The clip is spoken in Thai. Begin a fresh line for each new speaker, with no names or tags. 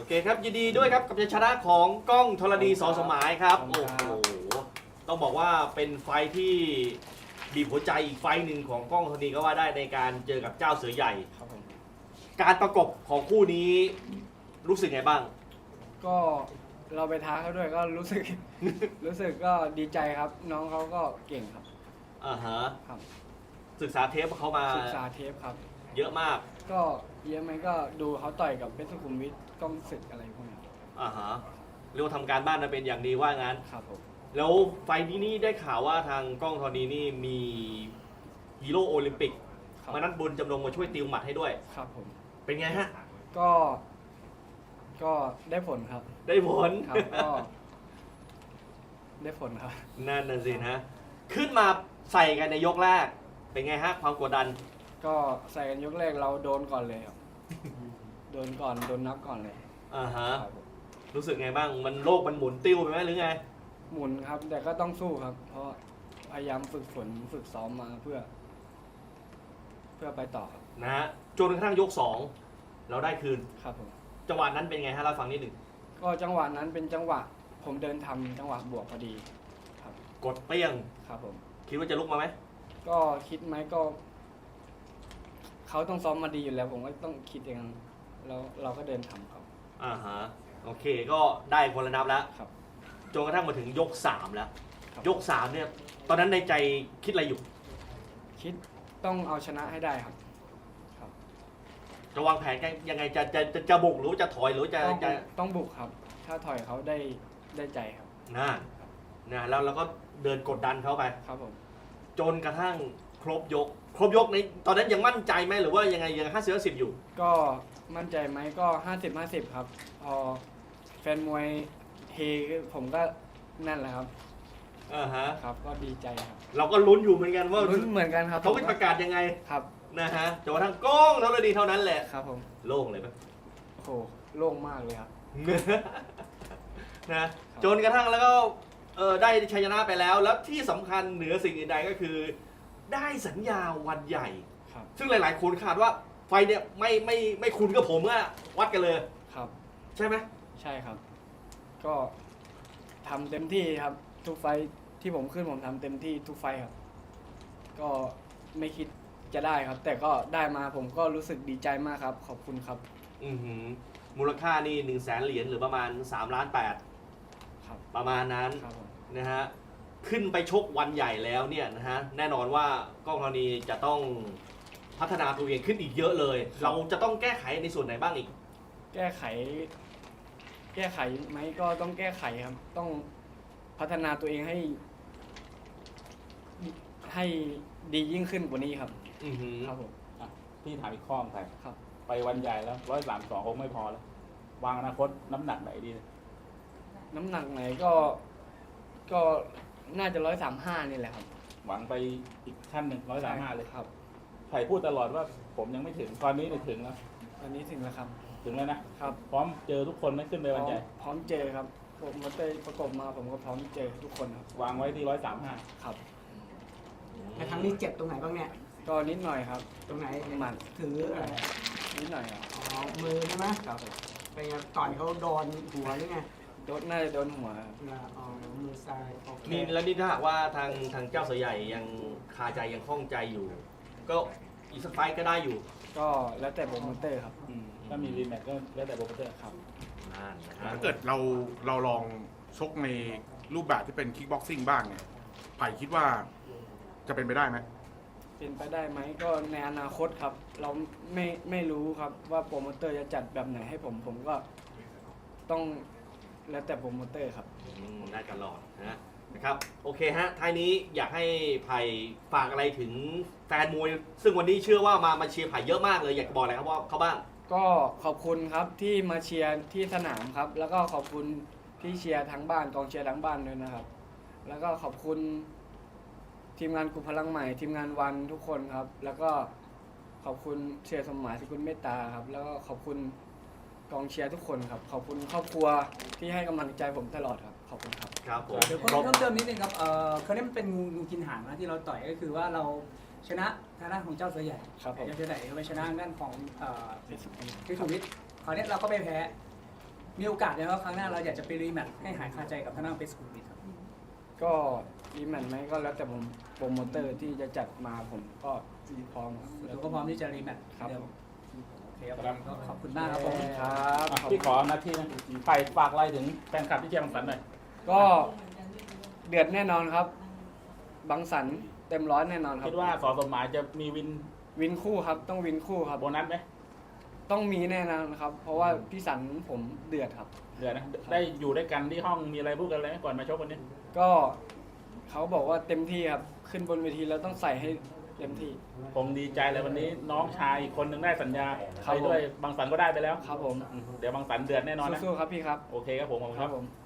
เคครับยินดีด้วยครับกับชัยชนะของก้องธรณีสอสมายครับโอ้โหต้องบอกว่าเป็นไฟที่บีบหัวใจอีกไฟหนึ่งของก้องธรณีก็ว่าได้ในการเจอกับเจ้าเสือใหญ่
ครับผม
การประกบของคู่นี้รู้สึกไงบ้าง
ก็เราไปท้าเขาด้วยก็รู้สึก รู้สึกก็ดีใจครับ น้องเขาก็เก่งครับ
ฮะ
ครับ
ศึกษาเทปเขามา
ศึกษาเทปครับ
เยอะมาก
ก็เยอะไหมก็ดูเขาต่อยกับเพชรสุขุมวิทกล้องศึกอะไรพวกนี้
ฮะเรียกว่าทำการบ้านมาเป็นอย่างดีว่างั้น
ครับผม
แล้วไฟนี้นี่ได้ข่าวว่าทางก้องธรณีนี่มีฮีโร่โอลิมปิกมานัดบุญจำลองมาช่วยติวหมัดให้ด้วย
ครับผม
เป็นไงฮะ
ก็ได้ผลครับ
ได้ผล
ครับก็ได้ผลครับ
นั่นน่ะสินะขึ้นมาใส่กันในยกแรกเป็นไงฮะความกดดัน
ก็ใส่กันยกแรกเราโดนก่อนเลยครับโดนก่อนโดนนับก่อนเลย
ฮะรู้สึกไงบ้างมันโลกมันหมุนติ้วไปไหมหรือไง
หมุนครับแต่ก็ต้องสู้ครับเพราะพยายามฝึกฝนฝึกซ้อมมาเพื่อไปต่อครับ
นะฮะจนกระทั่งยก2เราได้คืน
ครับผม
จังหวะนั้นเป็นไงฮะเราฟังนิดหนึ่ง
ก็จังหวะนั้นเป็นจังหวะผมเดินทำจังหวะบวกพอดีครับ
กดเปี้ยง
ครับผม
คิดว่าจะลุกมาไหม
ก็คิดไหมก็เขาต้องซ้อมมาดีอยู่แล้วผมก็ต้องคิดเองแล้วเราก็เดินทำเขา
ฮะโอเคก็ได้คนละนับแล้ว
ครับ
จนกระทั่งมาถึงยก3แล้วยก3เนี่ยตอนนั้นในใจคิดอะไรอยู่
คิดต้องเอาชนะให้ได้ครับ
จะวางแผนยังไงจะบุกหรือจะถอยหรือจะ
ต้องบุกครับถ้าถอยเขาได้ใจครับ
นะแล้วเราก็เดินกดดันเขาไป
ครับผม
จนกระทั่งครบยกในตอนนั้นยังมั่นใจไหมหรือว่ายังไงยัง50-50อยู่
ก็มั่นใจไหมก็50-50ครับพอแฟนมวยเฮผมก็นั่นแหละครับครับก็ดีใจครับ
เราก็ลุ้นอยู่เหมือนกันว่า
ลุ้นเหมือนกันครับ
เขาจะประกาศยังไง
ครับ
นะฮะจนกระทั่งก้องเท่านั้นเท่านั้นแหละ
ครับผม
โล่งเลยไหม
โอ้โหโล่งมากเลยครับ
นะจนกระทั่งแล้วก็ได้ชัยชนะไปแล้วที่สำคัญเหนือสิ่งอื่นใดก็คือได้สัญญาวันใหญ่ซึ่งหลายๆคนคาดว่าไฟเนี่ยไม่คุณกับผมอะวัดกันเลย
ครับ
ใช่ไหม
ใช่ครับก็ทำเต็มที่ครับทุกไฟที่ผมขึ้นผมทำเต็มที่ทุกไฟครับก็ไม่คิดจะได้ครับแต่ก็ได้มาผมก็รู้สึกดีใจมากครับขอบคุณครับ
มูลค่านี่100,000 เหรียญหรือประมาณ3.8 ล้าน
ครับ
ประมาณนั้นนะฮะขึ้นไปชกวันใหญ่แล้วเนี่ยนะฮะแน่นอนว่าก้องธรณีจะต้องพัฒนาตัวเองขึ้นอีกเยอะเลยเราจะต้องแก้ไขในส่วนไหนบ้างอีก
แก้ไขไหมก็ต้องแก้ไขครับต้องพัฒนาตัวเองให้ดียิ่งขึ้นกว่านี้ครับครับผม
พี่ถามอีกข้อใคร
ครับ
ไปวันใหญ่แล้ว132คงไม่พอแล้ววางอนาคตน้ำหนักไหนดี
น้ำหนักไหนก็น่าจะ135นี่แหละครับ
หวังไปอีกขั้นหนึ่ง135เลย
ครับ
ไผ่พูดตลอดว่าผมยังไม่ถึงตอนนี้ถึงแล้ว
ตอนนี้ถึงแล้วครับ
ถึงแล้วนะครับพร้อมเจอทุกคนไหมขึ้นไปวันใหญ่
พร้อมเจอครับผมมาเตะประกบมาผมก็พร้อมเจอทุกคนครับ
วางไว้ที่135
ครับ
แต่ครั้งนี้เจ็บตรงไหนบ้างเนี่ย
ก็นิดหน่อยครับ
ตรงไหน
หมัด
ถืออะไร
นิดหน่อยครับ
มือใช่ไหม
ครับ
เป็นไงต่อยเขาโดนหัวหรือไง
น่าจะโดนหัว
มือซ้าย
นี่แล้วนี่ถ้าหากว่าทางเจ้าเสือใหญ่ยังคาใจยังคล่องใจอยู่ก็อีกสักไฟก็ได้อยู่
ก็แล้วแต่โปรโมเตอร์ครับ
ถ้ามีรีแมตช์ก็แล้วแต่โปรโมเตอร์
ครับ
ถ้าเกิดเราลองชกในรูปแบบที่เป็นคิกบ็อกซิ่งบ้างเนี่ยไผ่คิดว่าจะเป็นไปได้ไหม
เป็นไปได้ไหมก็ในอนาคตครับเราไม่รู้ครับว่าโปรโมเตอร์จะจัดแบบไหนให้ผมก็ต้องแล้วแต่โปรโมเตอร์ครับ
ได้ตลอดนะครับโอเคฮะท้ายนี้อยากให้ไผ่ฝากอะไรถึงแฟนมวยซึ่งวันนี้เชื่อว่ามาเชียร์ไผ่เยอะมากเลยอยากบอกอะไรครับว่าเขาบ้าง
ก็ขอบคุณครับที่มาเชียร์ที่สนามครับแล้วก็ขอบคุณที่เชียร์ทั้งบ้านกองเชียร์ทั้งบ้านด้วยนะครับแล้วก็ขอบคุณทีมงานกลุ่มพลังใหม่ทีมงานวันทุกคนครับแล้วก็ขอบคุณเชียร์สมหมายสกุลเมตตาครับแล้วก็ขอบคุณกองเชียร์ทุกคนครับขอบคุณครอบครัวที่ให้กำลังใจผมตลอดครับขอบคุณครับ
ครับผม
เดี๋ยวเพิ่มเติมนิดนึงครับคราวนี้มันเป็นงูกินหางนะที่เราต่อยก็คือว่าเราชนะทางด้านของเจ้าเสือใหญ่
ครับผม
เจ้าเสือใหญ่ไปชนะด้านของเพชรสุวิทย์คราวนี้เราก็ไปแพ้มีโอกาสแล้วครั้งหน้าเราอยากจะไปรีแมตช์ให้หายคาใจกับทางด้านเพชรสุขุมวิทครับ
ก็รีแมตช์ไหมก็แล้วแต่ผมโปรโมเตอร์ที่จะจัดมาผมก็พร้อมครับ
เราก็พร้อมที่จะรีแมตช์
ครับ
เดิมโอเคครับก็ขอบคุณมากครับผม
ครับ
อ่ะพี่ขอหน้าที่นะไผ่ฝากอะไรถึงแฟนคลับที่เชียร์บังสันหน่อย
ก็เดือดแน่นอนครับบังสันเต็มร้อยแน่นอนครับ
คิดว่าสอสมหมายจะมีวิน
วินคู่ครับต้องวินคู่ครับ
โบนัสไหม
ต้องมีแน่นอนครับ เพราะว่าพี่สันผมเดือดครับ
เดี๋ยวนะได้อยู่ด้วยกันที่ห้องมีอะไรพูดกันอะไรไหมก่อนมาชกวันนี้
ก็เขาบอกว่าเต็มที่ครับขึ้นบนเวทีแล้วต้องใส่ให้เต็มที่
คงดีใจเลยวันนี้น้องชายอีกคนหนึ่งได้สัญญา
ครับ
ไปด้วยบางสันก็ได้ไปแล้ว
ครับผม
เดี๋ยวบางสันเดือดแน่นอนนะ
สู้ๆครับพี่ครับ
โอเคครับผมขอบคุณ
ค
ค
รั
รั
บบ ผม